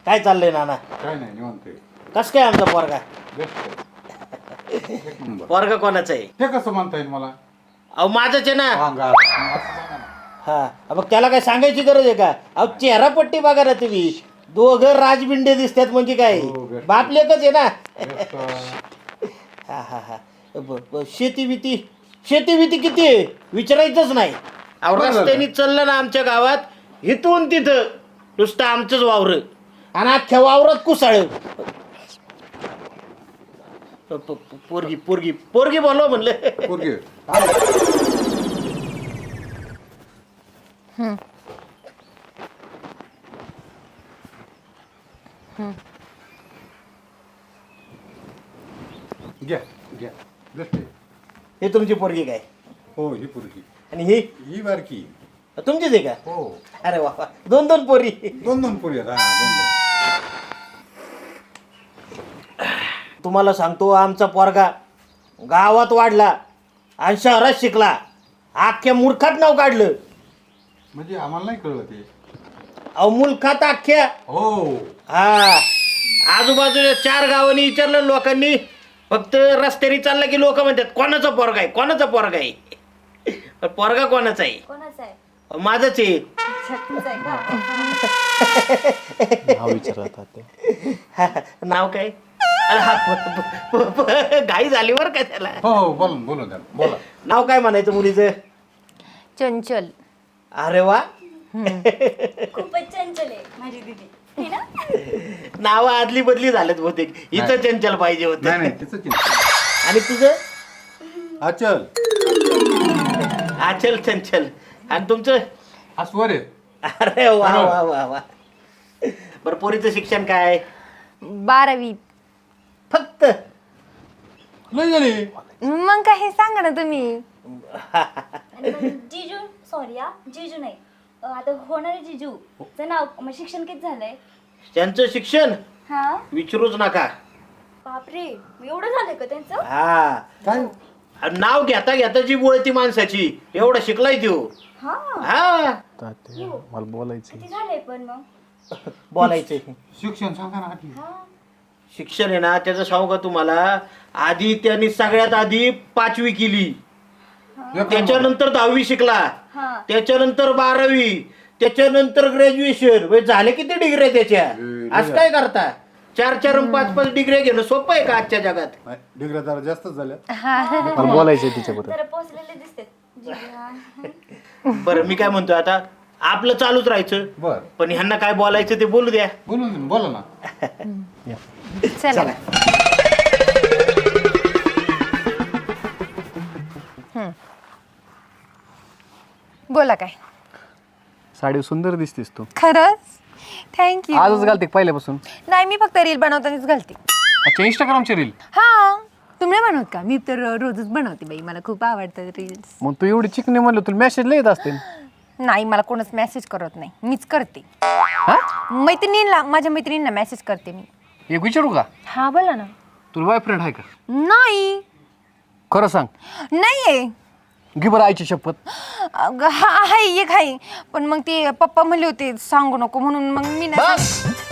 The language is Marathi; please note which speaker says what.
Speaker 1: काय चाललंय नाना?
Speaker 2: काय नाही निवांत आहे.
Speaker 1: कस काय आमचा पोरगा?
Speaker 2: बेस्ट आहे. एक नंबर.
Speaker 1: पोरगा कोणाचा आहे?
Speaker 2: ते कसं म्हणता येईल मला?
Speaker 1: अहो माझंच आहे ना.
Speaker 2: सांगा असं सांगा ना.
Speaker 1: हा मग त्याला काय सांगायची गरज आहे का? अहो चेहरा पट्टी बघा ना तुम्ही, दोघं राजबिंडे दिसतात म्हणजे काय,
Speaker 2: हो, बेस्ट.
Speaker 1: बाप लेकच आहे ना.
Speaker 2: बेस्ट.
Speaker 1: हा हा हा शेती भीती किती आहे विचारायचंच नाही. अहो
Speaker 2: बरं झालं.
Speaker 1: रस्त्याने चाललं ना आमच्या गावात इथून तिथं नुसतं आमचंच वावर आणि अख्ख्या वावरात कुसाळ. पोरगी पोरगी पोरगी बोलव म्हणलं.
Speaker 2: पोरगी. घ्या घ्या. बेस्ट आहे.
Speaker 1: हे तुमची पोरगी काय
Speaker 2: हो ही पोरगी.
Speaker 1: आणि ही
Speaker 2: ही बारकी.
Speaker 1: तुमचीच आहे का?
Speaker 2: हो.
Speaker 1: अरे वा वा. दोन दोन पोरी.
Speaker 2: दोन पोरी आहेत. हा दोन.
Speaker 1: तुम्हाला सांगतो आमचा पोरगा गावात वाढला आणि शहरात शिकला, अख्ख्या मूर्खात नाव काढलं.
Speaker 2: म्हणजे आम्हाला नाही कळलं ते.
Speaker 1: अहो मुलखात अख्ख्या.
Speaker 2: हो.
Speaker 1: हा आजूबाजूच्या 4 गावांनी विचारलं लोकांनी, फक्त रस्त्याने चालला की लोक म्हणतात कोणाचा पोरगा आहे, कोणाचा पोरगा आहे. पण पोरगा कोणाचा आहे?
Speaker 3: कोणाचा आहे?
Speaker 1: माझंच आहे.
Speaker 3: तुझा आहे का?
Speaker 4: नाव विचारतात ते.
Speaker 1: नाव काय? अरे हा घाई झाली बरं का त्याला.
Speaker 2: हो हो बोला द्या बोला.
Speaker 1: नाव काय म्हणायचं मुलीचं?
Speaker 3: चंचल.
Speaker 1: अरे वा.
Speaker 3: खूपच चंचल आहे माझी दीदी. है ना?
Speaker 1: नाव आदली बदली झालेत बहुतेक. हिचं चंचल पाहिजे
Speaker 2: नाही
Speaker 1: होतं.
Speaker 2: नाही तिचं चिंता.
Speaker 1: आणि तुझं?
Speaker 2: अचल.
Speaker 1: आचल चंचल. आणि तुमचं?
Speaker 2: अस्वर आहे.
Speaker 1: अरे वा वा वा वा. बरं पोरीचं शिक्षण काय?
Speaker 3: 12वी.
Speaker 1: फक्त?
Speaker 2: नाही झाली.
Speaker 3: मग काय हे सांगा ना तुम्ही.
Speaker 5: जिजू सॉरी हा जिजू नाही आता होणारे जिजू चं नाव मग शिक्षण किती झालंय?
Speaker 1: त्यांचं शिक्षण
Speaker 5: हा
Speaker 1: विचारूच नका.
Speaker 5: बापरे एवढं झालंय का त्यांचं?
Speaker 1: हा
Speaker 2: काय?
Speaker 1: आणि नाव घेता घेता जी बोळती माणसाची, एवढा शिकलाय त्यो.
Speaker 5: हा
Speaker 1: हा
Speaker 4: तात्या, मला बोलायचं
Speaker 5: किती झालंय पण मग?
Speaker 1: बोलायचे.
Speaker 2: शिक्षण सांगा ना आधी.
Speaker 5: हा
Speaker 1: शिक्षण आहे ना त्याचं सांगू का तुम्हाला, आधी त्यांनी सगळ्यात आधी 5वी केली, त्याच्यानंतर 10वी शिकला,
Speaker 5: हा
Speaker 1: त्याच्यानंतर 12वी, त्याच्यानंतर ग्रॅज्युएशन. झाले किती डिग्री त्याच्या? असं काय करता? 4 आणि 5 डिग्री घेणं सोपं आहे का आजच्या जगात?
Speaker 2: नाही, डिग्र्या जरा जास्तच झाल्या.
Speaker 4: मला बोलायचंय तिच्याबरोबर.
Speaker 5: जरा पोचलेले दिसते जिजू. हा.
Speaker 1: बरं मी काय म्हणतो आता, आपलं चालूच राहायचं,
Speaker 2: बर
Speaker 1: पण ह्यांना काय बोलायचं ते बोलू द्या.
Speaker 2: बोला ना.
Speaker 3: चला. बोला काय?
Speaker 4: साडी सुंदर दिसतेस तू.
Speaker 3: खरंच? थँक्यू.
Speaker 4: आजच घालते का पहिल्यापासून?
Speaker 3: नाही मी फक्त रील बनवतानाच घालते.
Speaker 4: अच्छा इंस्टाग्रामची रील.
Speaker 3: हा तुम्ही नाही बनवत का? मी तर रोजच बनवते बाई, मला खूप आवडतात रील्स.
Speaker 4: मग तू एवढी चिकनी म्हणलं तुला मेसेज लय येत असतील.
Speaker 3: नाही मला कोणच मेसेज करत नाही, मीच करते.
Speaker 4: हा
Speaker 3: मैत्रिणींना, माझ्या मैत्रिणींना मेसेज करते मी.
Speaker 4: एक विचारू का?
Speaker 3: हा बोला ना.
Speaker 4: तुला बॉयफ्रेंड आहे का?
Speaker 3: नाही.
Speaker 4: खरं सांग.
Speaker 3: नाहीये.
Speaker 4: घे बरं आईची शपथ.
Speaker 3: हा आहे एक आहे, पण मग ते पप्पा म्हणले होते सांगू नको म्हणून मग मी नाही.
Speaker 4: बस